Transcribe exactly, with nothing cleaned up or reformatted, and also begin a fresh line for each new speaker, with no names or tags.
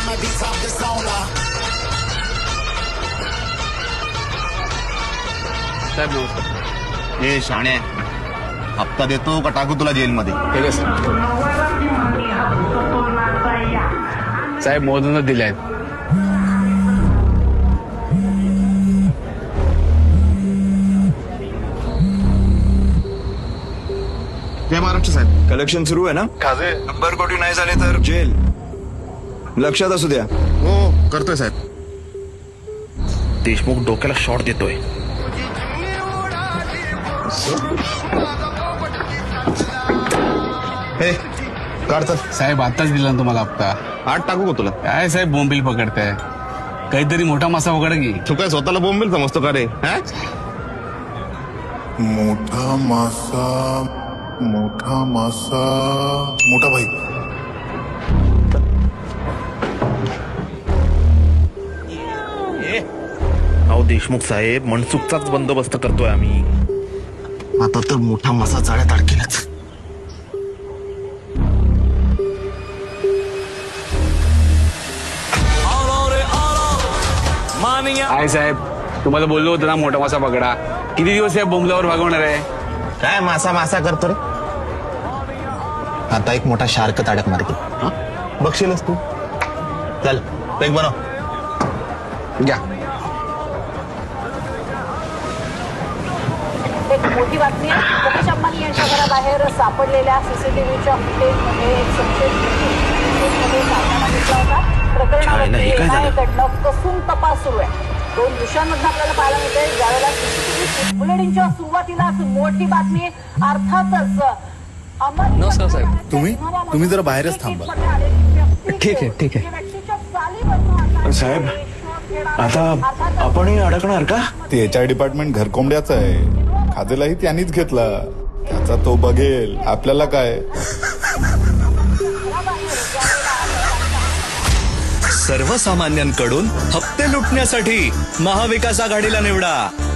साहेब नमस्कार.
ए शाणे, हप्ता देतो का टाकू तुला जेलमध्ये?
ठीक आहे साहेब, मोदींना दिले आहेत.
जय महाराष्ट्र साहेब.
कलेक्शन सुरू आहे ना?
खाजे
नंबर कोटी नाही झाले तर जेल. लक्षात असू द्या.
हो करतोय साहेब. देशमुख डोक्याला शॉट देतोय. हे काढतात
साहेब आताच दिला ना तुम्हाला हप्ता.
आठ टाकू का तुला?
काय साहेब बोंबील पकडताय? काहीतरी मोठा मासा पकड की.
तू काय स्वतःला बोंबेल समजतो का रे? हा?
मोठा मासा, मोठा मासा, मोठा भाई.
अहो देशमुख साहेब, मनसुखचाच बंदोबस्त करतोय आम्ही. आता तर मोठा मासा जाळ्यात अडकेलाच.
आहे साहेब, तुम्हाला बोललो होतं ना मोठा मासा पकडा. किती दिवस साहेब बोंबल्यावर भागवणार आहे?
काय मासा मासा करतो रे? आता एक मोठा शार्क ताडक मारते. बघशीलच तू. चल पेक बनव.
घ्या.
एक मोठी बातमी आहे. मुकेश अंबानी यांच्या घराबाहेर सापडलेल्या सीसीटीव्हीच्या फुटेजमध्ये एक संशयित फुटेजमध्ये सापळा घेतला होता. प्रकरणाकडनं कसून तपास सुरू आहे. दोन दिवसांमध्ये आपल्याला पाहायला मिळते ज्यावेळेला सीसीटीव्ही बुलेटिनच्या सुरुवातीलाच मोठी बातमी. अर्थातच अंबानी.
नमस्कार साहेब.
तुम्ही तुम्ही जरा बाहेरच थांबा.
ठीक आहे ठीक आहे.
साहेब, आता आपणही अडकणार का?
ते एच आय डिपार्टमेंट घरकोंबड्याचं आहे. खाजेलाही त्यांनीच घेतला. त्याचा तो बघेल, आपल्याला काय.
सर्वसामान्यांकडून हप्ते लुटण्यासाठी महाविकास आघाडीला निवडा.